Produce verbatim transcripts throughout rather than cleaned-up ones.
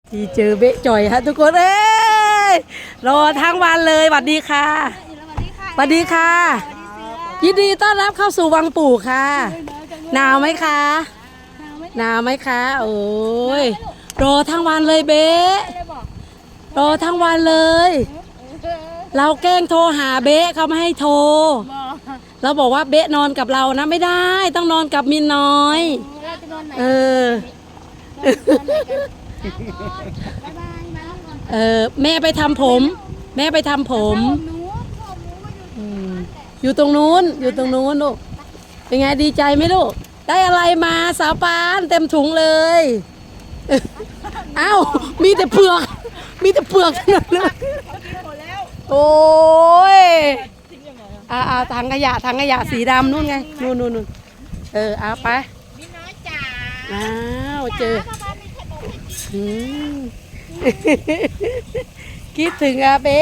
ที่เจอเบะจ่อยฮะทุกคนเอ้ยรอทั้งวันเลยสวัสดีค่ะสวัสดีค่ะยินดีต้อนรับเข้าสู่วังปู่ค่ะหนาวไหมคะหนาวไหมคะโอ้ยรอทั้งวันเลยเบะรอทั้งวันเลยเราแกล้งโทรหาเบะเขาไม่ให้โทรเราบอกว่าเบะนอนกับเรานะไม่ได้ต้องนอนกับมินน้อยเออเออแม่ไปทำผมแม่ไปทำผมอยู่ตรงนู้นอยู่ตรงนู้นลูกเป็นไงดีใจไหมลูกได้อะไรมาสาวปานเต็มถุงเลยอ้าวมีแต่เปลือกมีแต่เปลือกทั้งนั้นเลยโอ้ยอ่าอ่าถังขยะถังขยะสีดำนู่นไงนู่นนู่นนู่นเออเอาไปพี่น้อยจ๋าอ้าวเจอคิดถึงอาเบ๊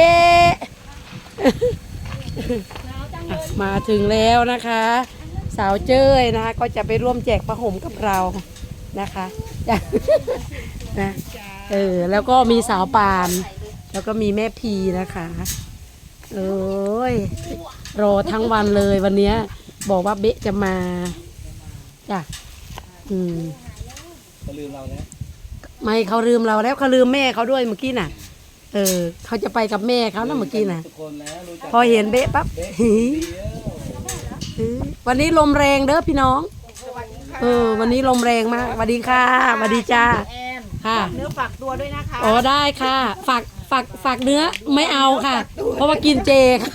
มาถึงแล้วนะคะสาวเจ้ยนะคะก็จะไปร่วมแจกผ้าห่มกับเรานะคะนะเออแล้วก็มีสาวปานแล้วก็มีแม่พีนะคะโอ้ยรอทั้งวันเลยวันนี้บอกว่าเบ๊จะมาจ้ะอืมเขาลืมเราแล้วไม่เขาลืมเราแล้วเขาลืมแม่เขาด้วยเมื่อกี้น่ะเออเขาจะไปกับแม่เขานะเมื่อกี้น่ะพอเห็นเบ๊ปั๊บวันนี้ลมแรงเด้อพี่น้องเออวันนี้ลมแรงมากสวัสดีค่ะสวัสดีจ้าค่ะเนื้อฝากตัวด้วยนะคะอ๋อได้ค่ะฝากฝากฝากเนื้อไม่เอาค่ะเพราะว่ากินเจค่ะ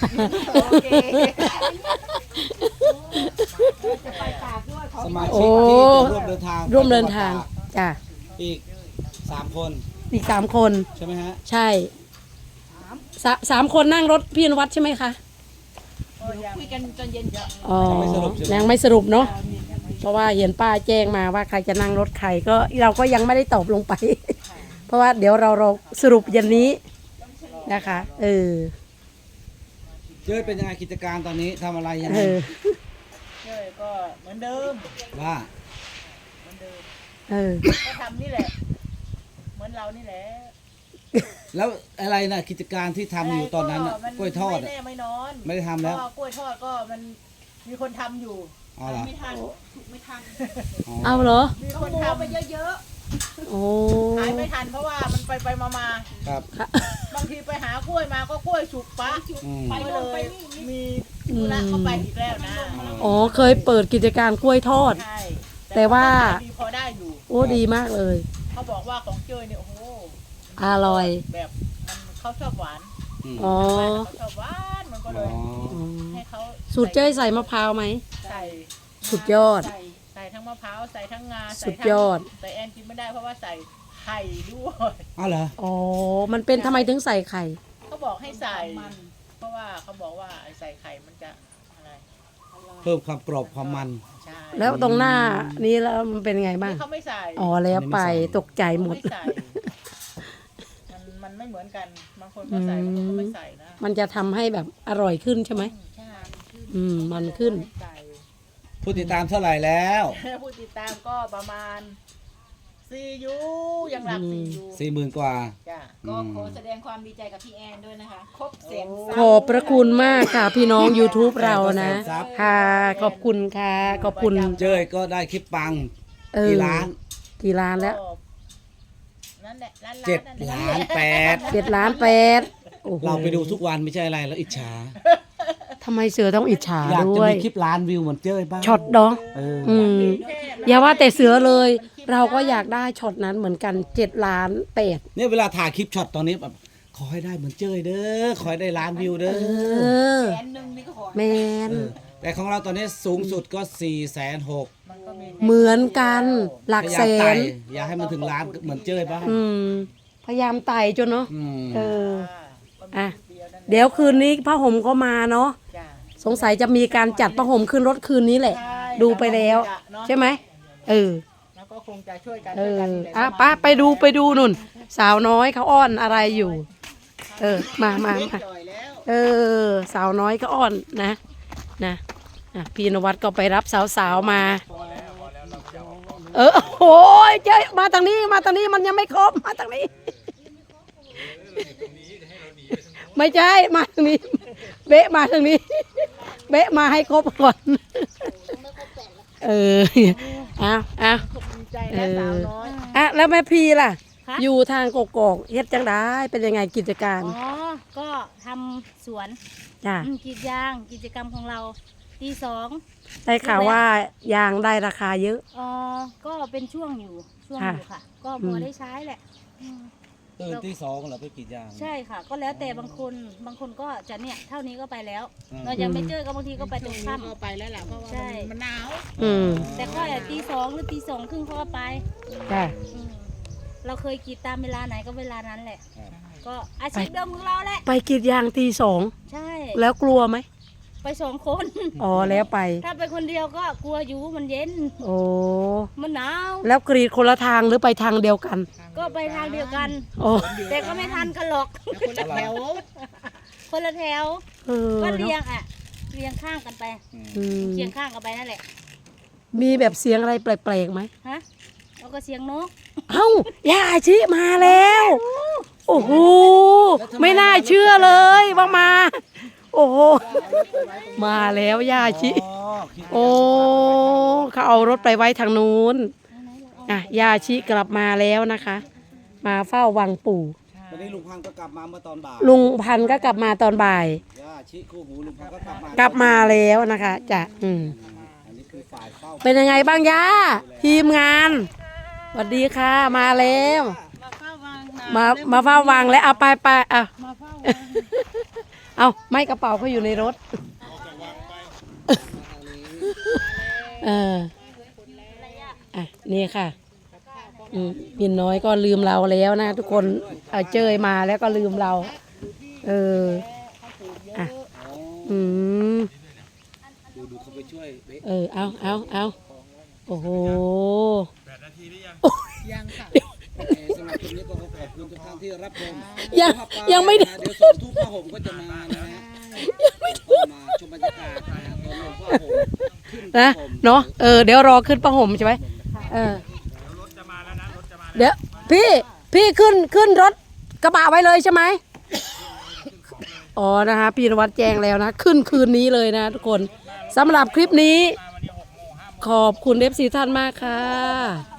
สมาชิกที่จะร่วมเดินทางร่วมเดินทางจ้ะอีกสามคนอีกสามคนใช่ไหมฮะใช่สาสามคนนั่งรถพี่นวัดใช่ไหมคะคุยกันจนเย็นเยอะอ๋อยังไม่สรุปเนาะเพราะว่าเห็นป้าแจ้งมาว่าใครจะนั่งรถใครก็เราก็ยังไม่ได้ตอบลงไปเพราะว่าเดี๋ยวเราเราสรุปยันนี้นะคะเออเจ้ยเป็นยังไงกิจการตอนนี้ทำอะไรยังไงเจ้ยก็เหมือนเดิมว่าเหมือนเดิมเออก็ทำนี่แหละเหมือนเรานี่แหละแล้วอะไรนะกิจการที่ทำอยู่ตอนนั้นกล้วยทอดไม่แน่ไม่นอนไม่ได้ทำแล้วกล้วยทอดก็มันมีคนทำอยู่อ๋อเหรอไม่ทันไม่ทันเอาเหรอมีคนทำไปเยอะๆโอ้ขายไม่ทันเพราะว่ามันไปไปมามาครับบางทีไปหากล้วยมาก็กล้วยฉุกปะไปเลยมีธุระเข้าไปอีกแล้วนะอ๋อเคยเปิดกิจการกล้วยทอดแต่ว่าพอได้อยู่โอ้ดีมากเลยเขาบอกว่าของเจ้ยเนี่ยโอ้โหอร่อยแบบมันเขาชอบหวานอ๋อเขาชอบหวานมันก็เลยให้เขาสูตรเจ้ยใส่มะพร้าวไหมใส่สุดยอดใส่ทั้งมะพร้าวใส่ทั้งงาสุดยอดแต่แอนกินไม่ได้เพราะว่าใส่ไข่ด้วยอ๋อเหรออ๋อมันเป็นทำไมถึงใส่ไข่เขาบอกให้ใส่เพราะว่าเขาบอกว่าใส่ไข่มันจะอะไรเพิ่มความกรอบความมันแล้วตรงหน้านี้แล้วมันเป็นไงบ้างเขาไม่ใส่อ๋อแล้วไปตกใจหมดมันมันไม่เหมือนกันบางคนก็ใส่บางคนก็ไม่ใส่นะมันจะทำให้แบบอร่อยขึ้นใช่ไหมใช่อืมมันขึ้นผู้ติดตามเท่าไหร่แล้วผู้ติดตามก็ประมาณสี่ยูยังหลักสี่ยูสี่หมื่นกว่าก็ขอแสดงความดีใจกับพี่แอนด้วยนะคะครบแสนขอบพระคุณมากค่ะพี่น้อง YouTube เรานะค่ะขอบคุณค่ะขอบคุณเจ้ยก็ได้คลิปปังกี่ล้านกี่ล้านแล้วเจ็ดล้านแปดเจ็ดล้านแปดเราไปดูทุกวันไม่ใช่อะไรแล้วอิจฉาทำไมเสือต้องอิจฉาด้วยอยากจะมีคลิปล้านวิวเหมือนเจ้ยบ้างช็อตดองอืมอย่าว่าแต่เสือเลยเราก็อยากได้ช็อตนั้นเหมือนกันเจ็ดล้านแปดเนี่ยเวลาถ่ายคลิปช็อตตอนนี้แบบขอให้ได้เหมือนเจ้ยเด้อขอให้ได้ล้านวิวเด้อแสนหนึ่งนี่ก็ขอแมนแต่ของเราตอนนี้สูงสุดก็สี่แสนหกเหมือนกันหลักแสนอยากให้มันถึงล้านเหมือนเจ้ยบ้างพยายามไต่จนเนาะเอออ่ะเดี๋ยวคืนนี้ผ้าห่มก็มาเนาะสงสัยจะมีการจัดผ้าห่มขึ้นรถคืนนี้แหละดูไปแล้วใช่ไหมเออแล้วก็คงจะช่วยกันเอออ่ะป้าไปดูไปดูนุ่นสาวน้อยเขาอ้อนอะไรอยู่เออมามามาเออสาวน้อยก็อ้อนนะนะพี่นวัดก็ไปรับสาวๆมาเออโอ้ยเจ๊มาทางนี้มาทางนี้มันยังไม่ครบมาทางนี้ ไม่ใช่มาทางนี้เบะมาทางนี้เบะมาให้ครบก่อนเออเอาเอาดีใจนะสาวน้อยอ่ะแล้วแม่พีล่ะคะอยู่ทางกกอกเฮ็ดจังได้เป็นยังไงกิจการอ๋อ ก็ทำสวนจ้ะอืมกรีดยางกิจกรรมของเราตีสองได้ข่าวว่ายางได้ราคาเยอะเออก็เป็นช่วงอยู่ช่วงค่ะอยู่ค่ะ ก็พอได้ใช้แหละอืมตื่นที่สองเหรอไปกรีดยางใช่ค่ะ ก็แล้วแต่บางคนบางคนก็จะเนี่ยเท่านี้ก็ไปแล้วอืมเรายังไม่เจอก็บางทีก็ไปตรงค่ก็ไปแล้วแหละเพราะว่าใช่มันมันหนาวอืมำแต่ก็ตีสองหรือตีสองครึ่งเขาก็ไปจ้ะอืมเราเคยกรีดตามเวลาไหนก็เวลานั้นแหละครับก็อาชีพเดิมของเราแหละไปกรีดยางตีสองใช่แล้วกลัวไหมไปสองคนอ๋อแล้วไปถ้าไปคนเดียวก็กลัวอยู่มันเย็นโอ้มันหนาวแล้วกรีดคนละทางหรือไปทางเดียวกันก็ไปทางเดียวกันโอ้แต่ก็ไม่ทันกันหรอกคนละแถวคนละแถวเออก็เนเรียอะงอ่ะเรียงข้างกันไปอืมเคียงข้างกันไปนั่นแหละมีแบบเสียงอะไรแปลกๆไหมฮะแล้วก็เสียงนกเอ้าย่าชิมาแล้ว โอ้โห ไม่น่าเชื่อเลยว่ามา โอ้โห มาแล้วย่าชิอ๋อคิดโอ้เขาเอารถไปไว้ทางนู้นอ่ะย่าชิกลับมาแล้วนะคะ มาเฝ้าวังปู่วันนี้ลุงพันธุ์ก็กลับมาเมื่อตอนบ่ายลุงพันธุ์ก็กลับมาตอนบ่ายย่าชิคู่หูลุงพันธุ์ก็กลับมากลับมาแล้วนะคะจ้ะอืมอันนี้คือฝ่ายเฝ้าเป็นยังไงบ้างย่าทีมงานสวัสดีค่ะมาแล้วมาเฝ้าวางนามามาเฝ้าวังแล้วเอาไปไปเอามาเฝ้าวางเอาไม่กระเป๋าเขาอยู่ในรถเอออ่ะนี่ค่ะอืมมินน้อยก็ลืมเราแล้วนะทุกคนเอาเจยมาแล้วก็ลืมเรา เอออ่ะอ๋ออืมดูดูเขาไปช่วยเบ๊ะเออเอาเอาเอาโอ้โหยังค่ะโอเคสำหรับคลิปนี้ก็ขอขอบคุณทุกท่านที่รับชมยังภาพปลายังไม่ได้นะเดี๋ยวสองทุ่มผ้าห่มก็จะมานะฮะก็มาชมบรรยากาศนะฮะตอนลงผ้าห่มขึ้นนะผ้าห่มเนาะเออเดี๋ยวรอขึ้นประห่มใช่ไหมเออเดี๋ยวพี่พี่ขึ้นขึ้นรถกระบะไว้เลยใช่ไหมอ๋อนะคะพี่นวัดแจ้งแล้วนะ ขึ้นคืนนี้เลยนะทุกคนสำหรับคลิปนี้ ขอบคุณเอฟซีท่านมากค่ะ